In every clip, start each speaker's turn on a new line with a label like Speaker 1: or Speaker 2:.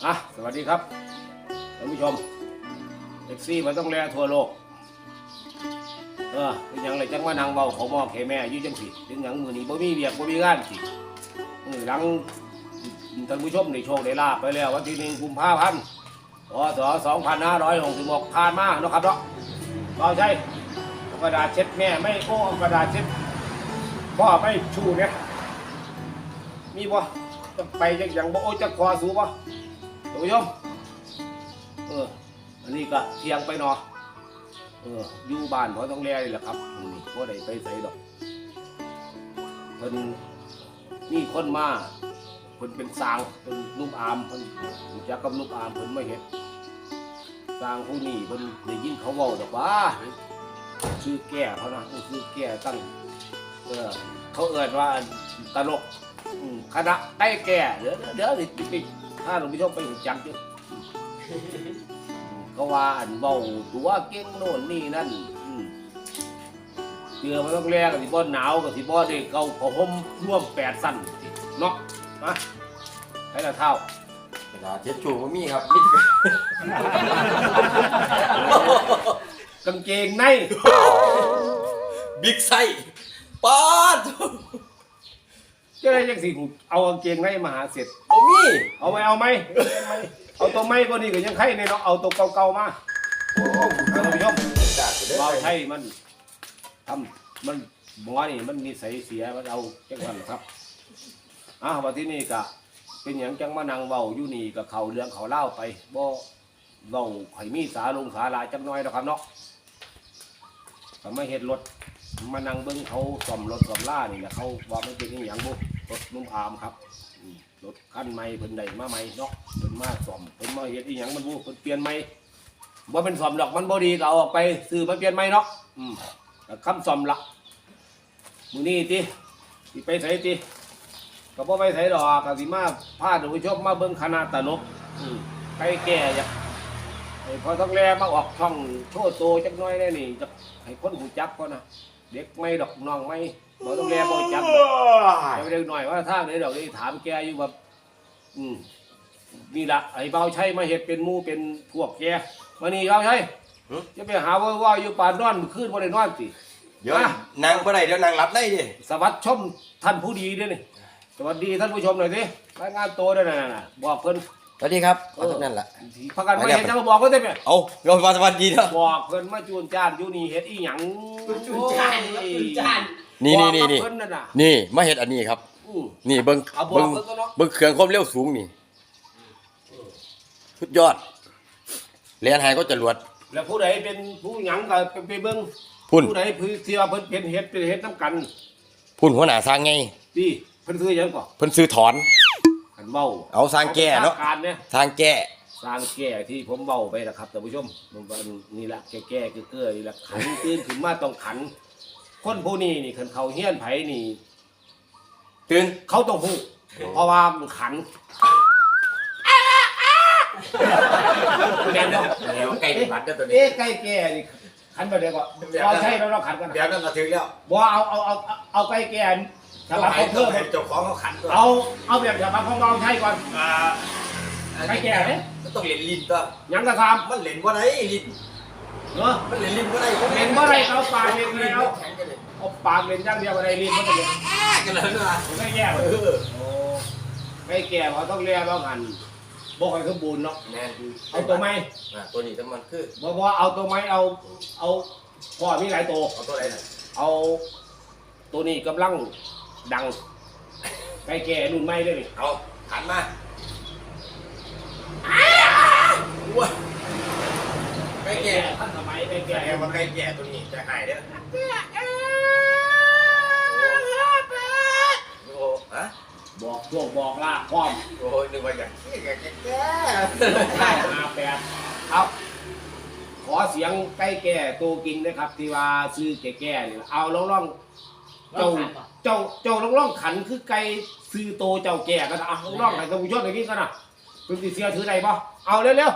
Speaker 1: สวัสดีครับท่านผู้ชมแท็กซี่มันต้องแลทั่วโลกเป็นอย่างไรจังว่านางเบาเขามองแค่แม่ยุ่จังสิถึงอย่างมือนี้บ่มีเบียกบ่มีงานสิหลังท่านผู้ชมในโชคได้ลาไปแล้ววันที่1 กุมภาพันธ์พ.ศ. 2566ผ่านมาเนาะครับเนาะเราใช้กระดาษเช็ดแม่ไม่โอ้กระดาษเช็ดพ่อไม่ชูเนี่ยมีบ่จะไปจังอย่างบ่โอ้จะคอสูบ่ท่านผู้ชมอันนี้ก็เที่ยงไปเนาะอยู่บ้านเขาต้องแลนี่แหละครับนี่บ่ได้ไปไสดอกเพิ่นนี่คนมาเพิ่นเป็นสร้างเพิ่นลูกอามเพิ่นรู้จักกับลูกอามเพิ่นมาเฮ็ดสร้างผู้นี้เพิ่นได้ยินเขาเว้าดอกว่าชื่อแก่เขานะชื่อแก่ตั้งเขาเอิ้นว่าตลกคณะใต้แก่เดี๋ยวสิถ้าหลวงพี่ชมไปรู้จักอยู่ก็ว่าอันเบาตัวเก่งโน่นนี่นั่นเชื่อมันต้องแลกับสิบ่หนาวกับสิบ่ได้เกาผ้าห่มร่วม8 สั้นเนาะมาให้ละเท่ากระดาษเช็ดชูบ่มีครับมีกางเกงใน
Speaker 2: บิ๊กไซป๊าด
Speaker 1: จะได้ยังสิเอากางเกงในมาหาเสร็จ
Speaker 2: บ่มี
Speaker 1: เอาไหมเอาตัวไม่ก็นี่ก็ยังไข่ในเนาะเอาตัวเก่าๆมาท่านผู้ชมเบาไทยมันทำมันหมอนี่มันนิสัยเสียมันเอาจังหวัดครับวันที่นี่ก็เป็นอย่างจังมานั่งเบาอยู่นี่กับเขาเรื่องเขาเล่าไปบ่เบาไข่มีสาลงสาลาจังน้อยนะครับเนาะทำไมเห็ดรถมานั่งเบิ้งเขาซ่อมรถซ่อมล่านี่แหละเขาว่ามันเป็นอย่างบุรถนุ่มอามครับรถคันใหม่เพิ่นได้มาใหม่เนาะเพิ่นมาซ่อมเพิ่นมาเฮ็ดอีหยังมันบ่เพิ่นเปลี่ยนใหม่บ่เป็นซ่อมดอกมันบ่ดีก็เอาออกไปซื้อมาเปลี่ยนใหม่เนาะก็คำซ่อมละมื้อนี้ติไปไสติก็บ่ไปไสดอกก็สิมาพาท่านผู้ชมมาเบิ่งคณะตลกไก่แก่จ้ะพอต้องแลมาออกช่องโชว์โตจักหน่อยได้นี่จะให้คนหูจักก่อนนะเด็กไม่ดอกน้องไม่บ่ต้องแลบ่จักเดี๋ยวหน่อยว่าทางไหนดอกนี่ถามแกอยู่แบบนี่ละไอ้เบาใช้มาเห็ดเป็นมูเป็นพวกแกมานี่เบาใช้จะไปหาว่าอยู่ป่านนอนขึ้นบ่ได้นอนสิ
Speaker 2: เดี๋ยวนางบ่ได้เดี๋ยวนางหลับได้ดิ
Speaker 1: สวัสดีชมท่านผู้ดีด้วยนี่สวัสดีท่านผู้ชมหน่อยสิรายงานตัวด้วยน่ะบอกเพิ่น
Speaker 2: สวัสดีครับเอาทุกนั่นแหละ
Speaker 1: พักกันไม่เห็นจะมาบอกก็ได้ไหม
Speaker 2: เอาเราสวัสดีเนาะ
Speaker 1: บอกเพิ่นมาจูนจานอยู่นี่เฮ็ดอีหยัง
Speaker 3: จูนจาน
Speaker 2: นี่มาเฮ็ดอันนี้ครับนี่เบิ่งเครื่องความเร็วสูงนี่สุดยอดเรียนหายก็จรวด
Speaker 1: แล้วผู้ใดเป็นผู้หยังก็ไปเบิ่งผู้ใดที่ว่าเพิ่นเป็นเฮ็ดน้ำกัน
Speaker 2: พุ่นหัวหน้าสร้างไง
Speaker 1: ดีเพิ่นซื้อหยังก่อน
Speaker 2: เพิ่นซื้อถอน
Speaker 1: ขันเบ้า
Speaker 2: เอาสร้างแก่เนาะสร้างแก่
Speaker 1: ที่ผมเบ้าไปนะครับท่านผู้ชมนี่แหละแก่เกื้อนี่แหละขันตื่นขึ้นมาต้องขันคนผู้นี้นี่ขันเขาเฮี้ยนไผนี่
Speaker 2: ตื่น
Speaker 1: เขาต้องฮู้เพราะว่ามันขันแม่นเนาะ
Speaker 2: แล้วไก่บัดเด้อตัวนี้
Speaker 1: ไก่แก่นี่ขันไปเดี๋ยวก่อนเราใช่เราขันกัน
Speaker 2: เดี๋ยวนั่นก็ถึงแล้ว
Speaker 1: บ่เอาไก่แก่ฉบับของเธอ
Speaker 2: เจ้าของเขาขัน
Speaker 1: เอาแบบฉบับของเราใช่ก่อนไก่แก่เนี่ย
Speaker 2: ต้องเล่นลิ้นตัว
Speaker 1: ยังกระทำ
Speaker 2: มันเล่นว่าไรลิ้นมันเล่นลิ้นว่าไร
Speaker 1: เล่นว่าไรเอาปากเล่นแล้วเอาปากเล่นอย่างเดียวอะไรลิ้นมันจะเล่น
Speaker 2: กันเลยนะ
Speaker 1: ไก่แก่ไก่แก่เขาต้องเลี้ยงต้องหั่นบอกให้เขาบูนเนาะเอาตัวไม้
Speaker 2: ตัวนี้ทั้งมันคือ
Speaker 1: บอกเอาตัวไม้เอาพ่อมีหลายตัว
Speaker 2: เอาตัวไหน
Speaker 1: เอาตัวนี้กำลังดังไก่แก่รุ่นใหม่ด้วยนี่
Speaker 2: เอาหันมาไก่แก่
Speaker 1: ท่านสมัยไก่แก่
Speaker 2: ว่าไก่แก่ตัวนี้จะหายได้
Speaker 1: บอกลาพร้อม
Speaker 2: โอ้ยนึกว่าอย่างแก่
Speaker 1: 58เอาขอเสียงไก่แก่ตัวกินนะครับที่ว่าซื้อแก่นี่เอาล่องเจ้าล่องขันคือไก่ซื้อโตเจ้าแก่กันเอาล่องให้ท่านผู้ชมอย่างนี้กันนะคุณติเสียถือไหนบ่เอาเร็ว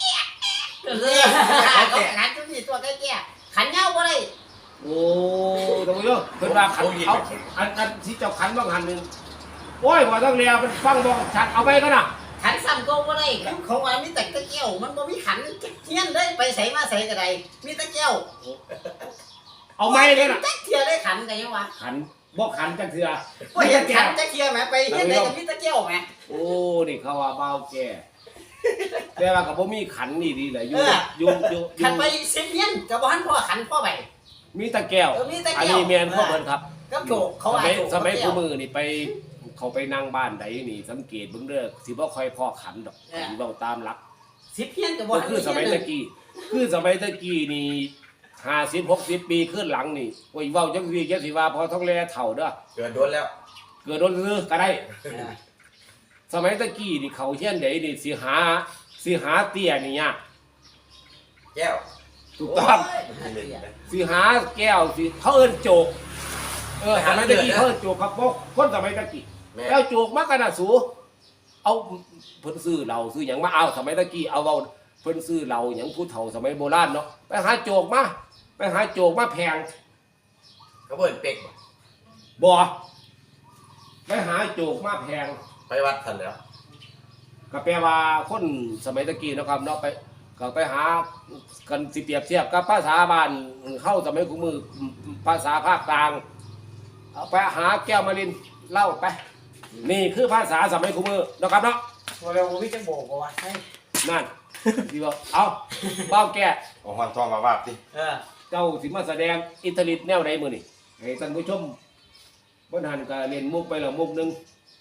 Speaker 3: ขันจุดสี่ตัวใกล้แก่ขันเงาบ่ได้
Speaker 1: โอ้ท่านผู้ชมเพิ่นว่าขันเอาอันที่เจ้าขันบ้างหันหนึ่งโอ้ยว่าต้องเรียเป็นฟังบอกชัดเอาไปกันนะ
Speaker 3: ขันซ้ำก็บ่ได้ของว่ามีแต่ตะเกียวมันบ่มีขันเทียนเลยไปใส่มาใส่ก็ได้มีตะเกียว
Speaker 1: เอาไม้เลยน่ะ
Speaker 3: จักเทียได้ขันกันยังวะ
Speaker 1: ขันบ่ขันจังเถื่อ
Speaker 3: บ่เห็นขันจักเทียแหมไปเฮ็ดได้กับมีตะเกียวแหม
Speaker 1: โอ้นี่เขาว่าเบาแก่แต่ว่าก็บ่มีขันนี่ดีเลยอยู่
Speaker 3: ขันไป10เฮียนก็บ่ทันพอขันพอไป
Speaker 1: มีตะแก้ว
Speaker 3: มีตะ
Speaker 1: อัน
Speaker 3: เกียว
Speaker 1: นี้แม่นพ่อเพิ่นครับ
Speaker 3: กับโจกเขาว่าโจก
Speaker 1: สมัยคู่มือนี่ไปเขาไปนั่งบ้านใดนี่สังเกตเบิ่งเด้อสิบ่ค่อยพอขันดอกสิเว้าตามหลัก
Speaker 3: 10เฮียนก็บ่
Speaker 1: ก็คือสมัยตะกี้นี่50-60 ปีขึ้นหลังนี่โอ้ยเว้าจังซี่จังสิว่าพอท้องแลเฒ่าเด้อ
Speaker 2: เกิดโดนแล้ว
Speaker 1: เกิดโดนซื้อก็ได้ สมัยตะกี้นี่เขาเฮียนใดนี่สิหาเตี้ยนี่ยาก
Speaker 2: แก้ว
Speaker 1: ถูกต้องสิหาแก้วสิเขาเอิ้นโจกสมัยตะกี้เขาเอิ้นโจกครับพวกคนสมัยตะกี้แล้วโจกมากกันน่ะสูเอาเพิ่นซื้อเหล้าซื้อหยังมาเอาสมัยตะกี้เอาเว้าเพิ่นซื้อเหล้าหยังผู้เฒ่าสมัยโบราณเนาะไปหาโจกมาแพง
Speaker 2: เขาเบิ่นเป็ก
Speaker 1: บ่ไปหาโจกมาแพง
Speaker 2: ไปวัดทันแล้ว
Speaker 1: ก็แปลว่าคนสมัยตะกี้นะครับเนาะไปก็ไปหากันสิเปรียบเทียบกับภาษาบ้านเข้าสมัยกูมือภาษาภาคกลางเอาไปหาแก้วมารินเล่าไปนี่คือภาษาสมัยกูมือนะครับเนาะ
Speaker 3: บ่แล้วบ่มีจังโบกบ่ว่าใช่
Speaker 1: นั่นที่ว่าเอาเบ้าแก่
Speaker 2: เอาหอนทองมาว่าดิ
Speaker 1: เจ้าสิมาแสดงอิตาลีแนวใดมื้อนี่ให้ท่านผู้ชมบ่ทันก็เล่นมุกไปแล้วมุกนึง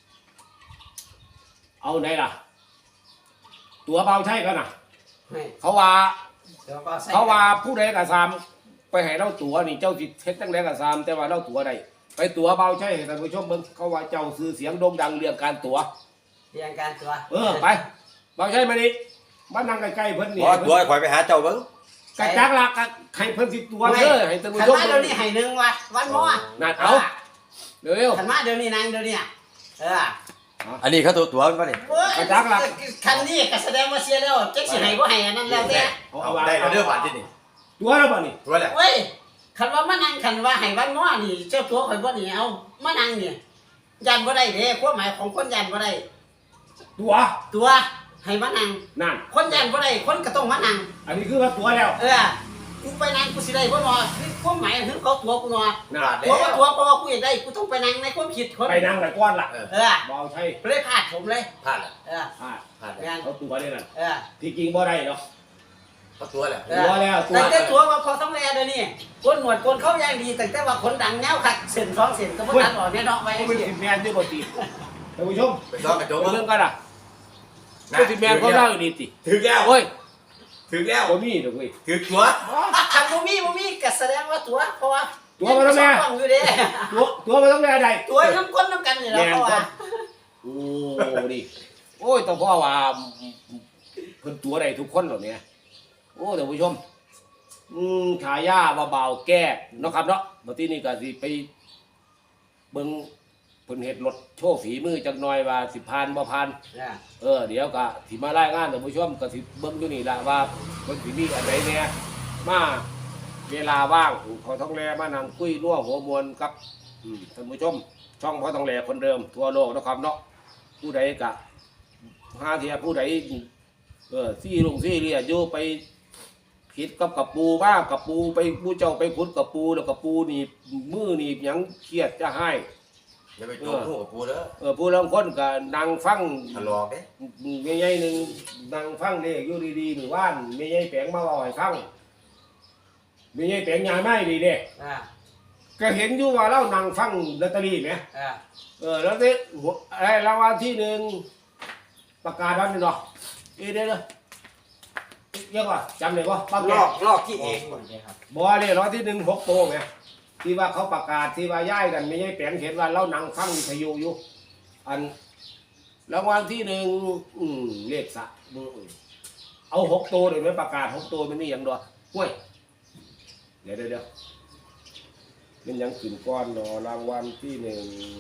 Speaker 1: เอาไหนล่ะตัวเบาใช่กันน่ะเขาว่าผู้ใดกระซามไปให้เราตัวนี่เจ้าสิเฮ็ดจังได๋กระซามแต่ว่าเราตัวใดไปตัวเบาใช่ให้ท่านผู้ชมเบิ่งเขาว่าเจ้าซื้อเสียงโด่งดังเรื่องการตัว
Speaker 3: เรียงการตัว
Speaker 1: ไปเบาใช่มานี่มานั่งใกล้ๆเพิ่นนี่
Speaker 2: บ่ตัวข่อยไปหาเจ้าเบิ่ง
Speaker 1: กระจักละให้เพิ่นสิตัวเด้อให้ท่านผู้
Speaker 3: ขัน
Speaker 1: ชม
Speaker 3: มาเดี๋ยวนี้ให้หนึ่งวะวันมอ
Speaker 1: นั่นเอาเร็ว
Speaker 3: ขันมาเดี๋ยวนี้นางเดี๋ยวนี้
Speaker 2: อันนี้เขาตัวมันป่ะนี่
Speaker 3: คันนี้ก็แสดงว่าเสียแล้วเจ๊สิให้บ่ให้อันนั้นแล้วแต่
Speaker 2: เอาได้แล้วเด้อบาดที่นี่
Speaker 1: ตัวแล้วบ่นี่
Speaker 2: ตัวแหละ
Speaker 3: เว้ยคันว่ามานั่งคันว่าให้วันมอนี่เจ้าตัวข่อยบ่นี่เอามานั่งนี่ยันบ่ได้เด้ความหมายของคนยันบ่ได้ ตัวให้มานั่ง
Speaker 1: นั่น
Speaker 3: คนยันบ่ได้คนก็ต้องมานั่ง
Speaker 1: อันนี้คือว่าตัวแล้ว
Speaker 3: กูไปนั่งกูสิได้บ่นอคือความหมายคือเขาตัวกูนอ
Speaker 1: นั่น
Speaker 3: ตัวว่าตัวเพราะว่ากูอยากได้กูต้องไปนั่งในความคิดคน
Speaker 1: ไปนั่งแต่ก้อนล่ะเบาใช่
Speaker 3: เลยพลาดผมเลย
Speaker 2: พลาดละ
Speaker 1: พลาด
Speaker 2: พลาด
Speaker 3: งาน
Speaker 1: เอาตัวได้นั่น
Speaker 3: เออ
Speaker 1: ที่จริงบ่ได้เนาะ
Speaker 2: เขาตัวแหละ
Speaker 1: ตัวแล้วตัว
Speaker 3: แต่ตัวว่าพอต้องแลเดี๋ยวนี้ก้นหนวดก้นเข้าย่างดีแต่ว่าคนดังแนวขัดเส้น2เส้นก็บ่ตัดออกแน่เนาะไว้
Speaker 1: เขาเป็นสิแมนด้วยบ่ตีท่านผู้ชม
Speaker 2: ไปซ้อมกระโจม
Speaker 1: เรื่องกันอ่ะเป็นสิแมนเขาเล่าอยู่ดีติ
Speaker 2: ถึงแล้ว
Speaker 1: โอ้ย
Speaker 2: ถึงแล้ว
Speaker 1: บ่มีดอกเว้ย
Speaker 2: ถึงตัว
Speaker 3: คันบ่มีก็แสดงว่าตัวเพราะว่า
Speaker 1: ตัวมาแล้วแม่
Speaker 3: อยู่เด้
Speaker 1: ตัวมันต้องได้ใด
Speaker 3: ตัวน้ำก้นน้ำกันนี่แหละเพราะว่า
Speaker 1: โอ้ดิโอ้ยต้องพ่อว่าเพิ่นตัวใดทุกคนเหล่านี้โอ้ท่านผู้ชมขายาเบาๆแก้เนาะครับเนาะบัดนี้นี่ก็สิไปเบิ่งเพิ่นเฮ็ดรถโชว์ฝีมือจักหน่อยว่าสิผ่านบ่ผ่านเดี๋ยวก็สิมารายงานท่านผู้ชมก็สิเบิ่งอยู่นี่ล่ะว่าเพิ่นสิมีอันใดแหน่มาเวลาว่างพอท้องแลมานั่งคุยนัวหัวมวลกับท่านผู้ชมช่องพอท้องแลคนเดิมทั่วโลกนะครับเนาะผู้ใดก็หาเทียผู้ใดซี่เรียอยู่ไปคิดกับปูบ้ากับปูไปผู้เจ้าไปขุดกับปูแล้วกับปูนี่มือนี่หยังเครียดจะให้
Speaker 2: อย่าไปโจมหูกับกูเด้อ
Speaker 1: ผู้ลางคนก็นั่งฟัง
Speaker 2: ทะเลาะเด้
Speaker 1: แม่ใหญ่หนึ่งนั่งฟังเด็กอยู่ดีๆหมู่บ้านแม่ใหญ่แปลงมาเล่าให้ฟังแม่ใหญ่แปลงยายไม่ดีเด้ก็เห็นอยู่ว่าเรานั่งฟังลอตเตอรี่ไหมแล้วที่รางวัลที่หนึ่งประกาศวันนี้เนาะเดี๋ยวเยอะกว่าจำเลยว่าป้าแก
Speaker 2: ลอกที่เอง
Speaker 1: บ่เลยรางวัลที่หนึ่ง6 โตไหมที่ว่าเขาประกาศที่ว่าย้ายกันไม่ใช่แปลงเห็นว่าเรานั่งฟังวิทยุอยู่อันรางวัลที่หนึ่งเลขสะเอา6 โตเลยไหมประกาศ6 โตมันนี่อย่างเดียวห้วยเดี๋ยวมันยังขึ้นก้อนเนาะรางวัลที่หนึ่ง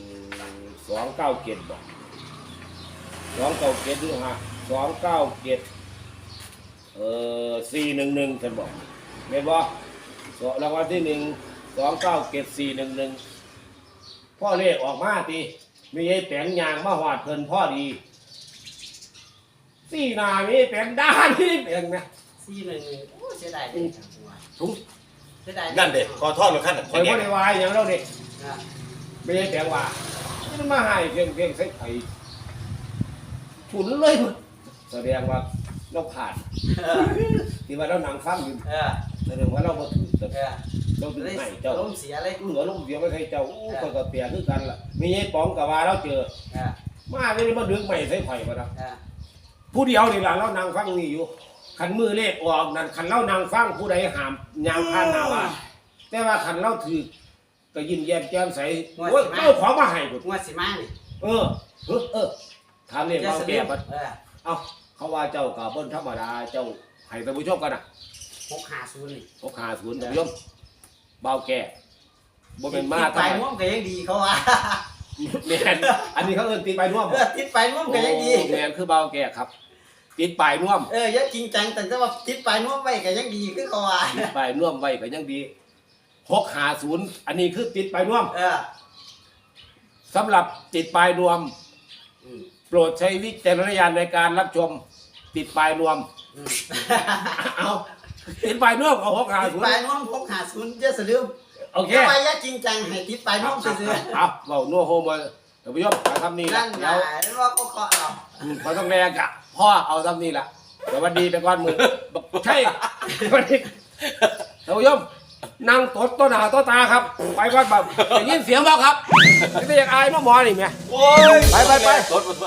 Speaker 1: 297บอก297ดูฮะ297 411ฉันบอกเห็นบ่รางวัลที่หนึ่ง297 411พ่อเลขออกมาตีมีไอ้แปลงยางมาหอดเพิ่นพ่อดีสี่หนามีแปลงด้านนี่แปลงนะ
Speaker 3: 411โอ้เสียดายเด้หัว
Speaker 1: ถุง
Speaker 3: เสียดาย
Speaker 2: นั่นเด็กขอทอดรถขั้น
Speaker 1: คอยบ่ได้วายอย่างเราเด็ก
Speaker 3: อ่ะ
Speaker 1: ไม่ได้แปลงว่ามันมาให้เพียงใส่ไข่ฉุนเลยมันแสดงว่าเราผ่าน
Speaker 3: เออ
Speaker 1: ที่ว่าเรานั่งฟังอยู่
Speaker 3: เออ
Speaker 1: แสดงว่าเราบ่ถือแต่
Speaker 3: เออ
Speaker 1: เราถือ
Speaker 3: เลย
Speaker 1: ให้เจ้า
Speaker 3: ล้มเสียเลย
Speaker 1: เหลือลมเสียไม่ใช่เจ้าอู้คนก็เปียคือกันล่ะมีไอ้ป๋องกับว่าเราเจอ
Speaker 3: เออ
Speaker 1: มาไม่ได้มาดึงใหม่ใส่ไข่มาแล้ว
Speaker 3: เออ
Speaker 1: ผู้เดียวนี่ล่ะเรานั่งฟังนี่อยู่ขันมือเลขออกนั่นขันเรานั่งฟังผู้ใดหามยางผ่านหน้าบ้านแต่ว่าขันเราถือก็ยิ้มแย้มแจ่มใสโอ้ยเอาของมาให้พุ่น
Speaker 3: งวดสิมานี่
Speaker 1: เออถามเนี่ย
Speaker 3: จะ
Speaker 1: เบา
Speaker 3: ส
Speaker 1: แก่
Speaker 3: ลืม
Speaker 1: ปัด
Speaker 3: เออ
Speaker 1: เอาเขาว่าเจ้ากับเบิ้ลธรรมดาเจ้าให้ท่านผู้ชมกันนะ
Speaker 3: 650นี่
Speaker 1: เขาขาศูนย์ท่านผู้ชมเบาแก่บ่เป็นมา
Speaker 3: ติดไปน่วมก็ยังดีเขาว่า
Speaker 1: แมนอันนี้เขาเอิ้นตีไปน่วม
Speaker 3: เออติดไปน่วมก็ยังดี
Speaker 1: แมนคือเบาแก่ครับติดปลายน่วม
Speaker 3: อย่าจริงจังแต่ว่าติดไปน่วมไว้ก็ยังดีคือเขาว่า
Speaker 1: ติดปลายน่วมไว้ก็ยังดี650อันนี้คือติดปลายน่วม
Speaker 3: เออ
Speaker 1: สำหรับติดปลายน่วม
Speaker 3: อืม
Speaker 1: โปรดใช้วิจารณญาณในการรับชมติดปลายน่วม
Speaker 3: อืม
Speaker 1: เอาติดปลายน่วมเอา
Speaker 3: ติดไป
Speaker 1: 650
Speaker 3: น่วม650จะสลืม
Speaker 1: โอเค
Speaker 3: แต่ว่าอย่าจริงจังให้ติดไปน่วมซื่อ
Speaker 1: เอาเบานัวโฮมมาท่านผู้ชมเอาทำนี่
Speaker 3: ๆ
Speaker 1: ละ
Speaker 3: นั่น
Speaker 1: เดี๋ยว
Speaker 3: นะว่าเขาเคาะเอา
Speaker 1: พอต้องแรงกะพ่อเอาทำนี่ละสวัสดีไปก่อนมือใช่สวัสดีท่านผู้ชมนั่งตดต้นหาต้นตาครับ ไปก่อนแบบได้ยินเสียงบ่ครับไม่ได้อยากอายมาหมอนี่แม่
Speaker 2: โอ้ย
Speaker 1: ไป
Speaker 2: รถ